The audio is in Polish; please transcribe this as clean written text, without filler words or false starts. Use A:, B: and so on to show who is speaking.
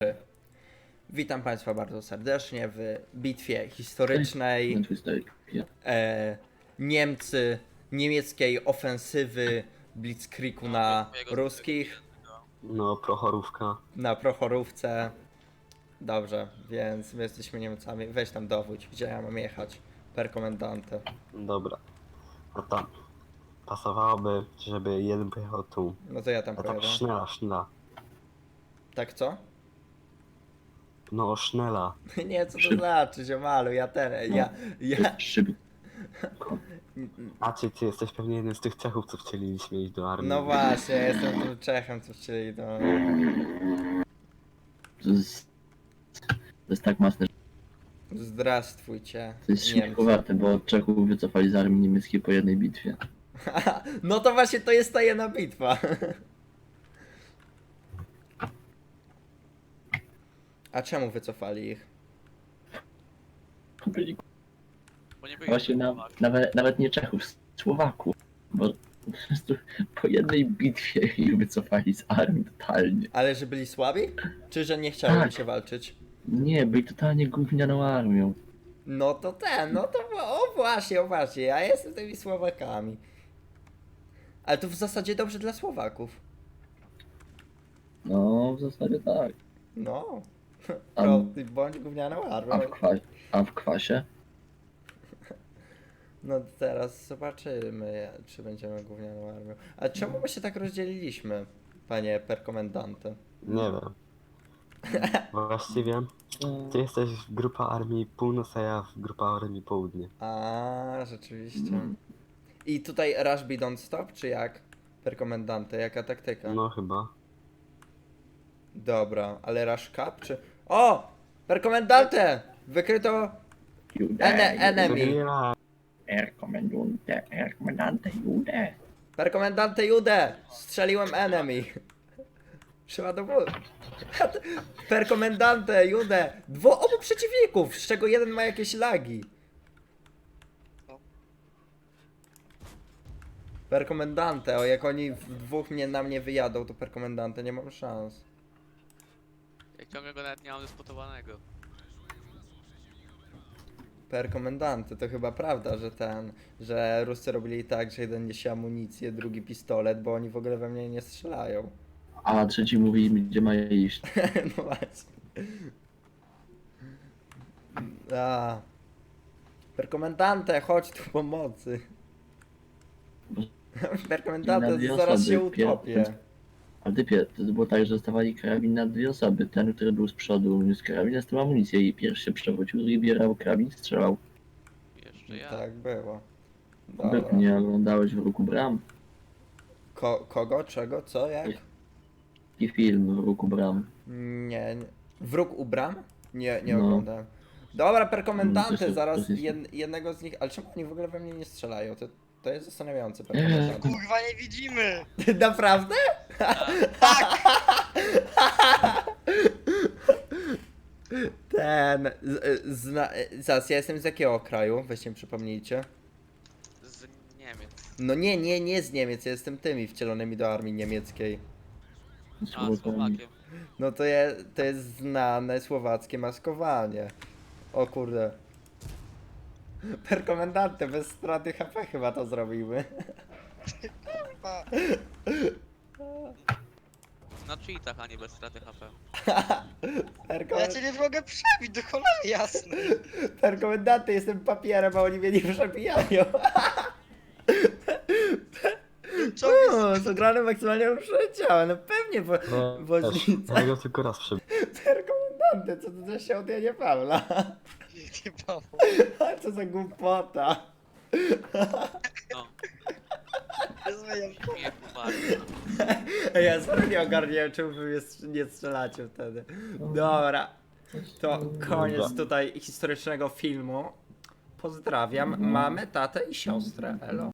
A: Witam Państwa bardzo serdecznie w bitwie historycznej niemieckiej ofensywy Blitzkriegu na ruskich,
B: No, Prochorówka.
A: na Prochorówce. Dobrze, więc my jesteśmy Niemcami. Weź tam dowódź, gdzie ja mam jechać? Per komendante.
B: Dobra. No tam. Pasowałoby, żeby jeden pojechał tu.
A: No to ja tam
B: A tak
A: pojadę.
B: sznela.
A: Tak co?
B: No, sznela.
A: Nie, co to znaczy, ziomalu, ja...
C: Szyby.
B: A ty jesteś pewnie jednym z tych Czechów, co chcieliśmy iść do armii.
A: No właśnie, ja jestem tym Czechem, co chcieli do...
C: To jest tak mocne, że
A: Zdrastwujcie,
C: to jest
A: Niemcy.
C: śmiechowate, bo Czechów wycofali z armii niemieckiej po jednej bitwie.
A: No to właśnie to jest ta jedna bitwa. A czemu wycofali ich?
D: Bo nie byli
C: Właśnie nawet nie Czechów, Słowaków, bo po prostu po jednej bitwie ich wycofali z armii totalnie.
A: Ale że byli słabi? Czy że nie chciały
C: Tak.
A: się walczyć?
C: Nie, byli totalnie gównianą armią.
A: No to o właśnie, ja jestem tymi Słowakami. Ale to w zasadzie dobrze dla Słowaków.
C: No, w zasadzie tak.
A: No.
C: A-
A: Bądź gównianą armią.
C: A w kwasie?
A: No teraz zobaczymy, czy będziemy gównianą armią. A czemu my się tak rozdzieliliśmy, panie perkomendante?
B: Nie wiem. Właściwie ty jesteś w grupa armii północ, a ja w grupa armii południe.
A: A, rzeczywiście. I tutaj rush be don't stop, czy jak? Perkomendante, jaka taktyka?
B: No chyba.
A: Dobra, ale rush cap, czy... O! Perkomendante! Wykryto enemy.
B: Ja,
C: Komendante Jude.
A: Perkomendante Jude! Strzeliłem enemy. Trzeba do góry. Perkomendante Jude! Obu przeciwników, z czego jeden ma jakieś lagi. Perkomendante, o jak oni w dwóch na mnie wyjadą, to perkomendante nie mam szans.
D: Jak ciągle go nawet nie mam dysputowanego.
A: Perkomendante, to chyba prawda, że Ruscy robili tak, że jeden niesie amunicję, drugi pistolet, bo oni w ogóle we mnie nie strzelają.
C: A trzeci mówi, gdzie ma iść.
A: No właśnie. A. Perkomendante, chodź tu pomocy. Perkomendante, zaraz się utopię.
C: A typie, to było tak, że dostawali karabin na dwie osoby. Ten, który był z przodu, niósł karabin, z tym amunicję i pierwszy się przewrócił, drugi bierał karabin, strzelał.
D: Jeszcze ja.
A: Tak było. Dobra.
C: Nie oglądałeś w ruku bram?
A: Kogo? Czego? Co? Jak?
C: I film w ruku bram.
A: Nie. Wróg u bram? Nie
C: No.
A: oglądałem. Dobra,
C: To
A: perkomendante,
C: jest-
A: zaraz
C: to jest-
A: jednego z nich... Ale czemu oni w ogóle we mnie nie strzelają? To jest zastanawiające, perkomendante.
E: Kurwa, nie widzimy!
A: Naprawdę? Zaraz, ja jestem z jakiego kraju? Weźcie mi przypomnijcie.
D: Z Niemiec.
A: No nie z Niemiec, ja jestem tymi wcielonymi do armii niemieckiej.
D: A, Słowakiem.
A: No to jest znane słowackie maskowanie. O kurde. Perkomendante, bez straty HP chyba to zrobimy.
E: Kurwa.
D: Na cheatach, a nie bez straty HP.
E: Ja cię nie mogę przebić, do cholery jasne.
A: Perkomendante, jestem papierem, a oni mnie nie przebijają.
E: Czołg jest...
A: O, zagrane maksymalnie przeleciałem, no pewnie, bo woźnica.
B: ja go tylko raz przebiłem.
A: Perkomendante, co to za siądienie Pawla?
E: Nie mam.
A: A co za głupota.
D: No,
E: Nie zmieniam.
D: nie bardzo.
A: Ja sobie nie ogarniałem, czemu wy nie strzelacie wtedy. Dobra, to koniec tutaj historycznego filmu. Pozdrawiam mamę, tatę i siostrę. Elo.